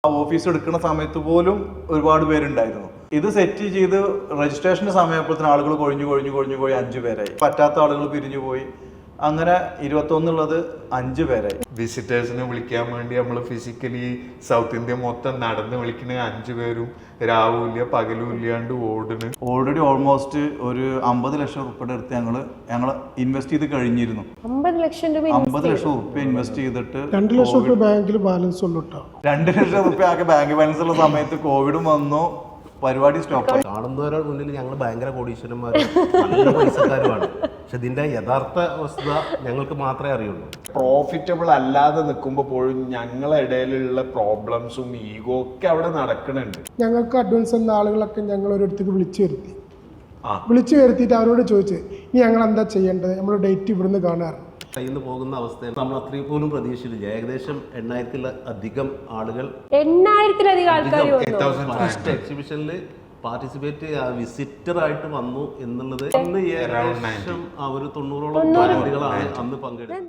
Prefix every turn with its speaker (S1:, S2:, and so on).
S1: ആ ഓഫീസ് എടുക്കുന്ന സമയത്ത് പോലും ഒരുപാട് പേരുണ്ടായിരുന്നു. ഇത് സെറ്റ് ചെയ്ത് രജിസ്ട്രേഷന്റെ സമയപ്പോഴത്തേന് ആളുകൾ കൊഴിഞ്ഞു 5 പേരായി. പറ്റാത്ത ആളുകൾ പിരിഞ്ഞു പോയി. അങ്ങനെ 21 5 പേരായി.
S2: വിസിറ്റേഴ്സിനെ വിളിക്കാൻ വേണ്ടി നമ്മൾ ഫിസിക്കലി സൗത്ത് ഇന്ത്യ മൊത്തം നടന്ന് വിളിക്കുന്ന 5 പേരും രാവിലെ പകലും ഇല്ലാണ്ട് ഓടുന്നു.
S1: ഓൾറെഡി ഓൾമോസ്റ്റ് ഒരു 50 ലക്ഷം റുപ്യയുടെ അടുത്ത് ഞങ്ങൾ ഇൻവെസ്റ്റ് ചെയ്ത് കഴിഞ്ഞിരുന്നു.
S3: 50 ലക്ഷം
S1: റുപ്യ ഇൻവെസ്റ്റ് ചെയ്തിട്ട്
S4: 2 ലക്ഷം റുപ്യ ബാങ്കിൽ ബാലൻസ് ഉള്ളൂ.
S1: 2 ലക്ഷം റുപ്യ ആകെ ബാങ്ക് ബാലൻസ് ഉള്ള സമയത്ത് കോവിഡും വന്നു, പരിപാടി സ്റ്റോപ്പ്.
S5: കാണുന്നവരുടെ മുന്നിൽ ഞങ്ങൾ ഭയങ്കര കോടീശ്വരന്മാരും നല്ല പൈസക്കാരുമാണ്. പക്ഷെ ഇതിന്റെ യഥാർത്ഥ വസ്തുത ഞങ്ങൾക്ക് മാത്രമേ അറിയുള്ളൂ.
S2: പ്രോഫിറ്റബിൾ അല്ലാതെ നിൽക്കുമ്പോൾ പോലും ഞങ്ങളെ ഇടയിലുള്ള പ്രോബ്ലംസും ഈഗോ ഒക്കെ അവിടെ നടക്കുന്നുണ്ട്.
S4: ഞങ്ങൾക്ക് അഡ്വാൻസ് എന്ന ആളുകളൊക്കെ ഞങ്ങൾ ഒരിടത്തേക്ക് വിളിച്ചു വരുത്തിയിട്ട് അവരോട് ചോദിച്ചു, ഇനി ഞങ്ങൾ എന്താ ചെയ്യേണ്ടത്, നമ്മൾ ഡേറ്റ് ഇവിടുന്ന് കാണാറ്
S5: കയ്യിൽ നിന്ന് പോകുന്ന അവസ്ഥയിൽ നമ്മൾ അത്രയും പോലും പ്രതീക്ഷിച്ചില്ല. ഏകദേശം 8000-ലധികം ആളുകൾ എക്സിബിഷനിൽ പാർട്ടിസിപ്പേറ്റ് വിസിറ്റർ ആയിട്ട് വന്നു എന്നുള്ളത് ഏകദേശം 90ഓളം വനിതകളാണ് അന്ന് പങ്കെടുത്തത്.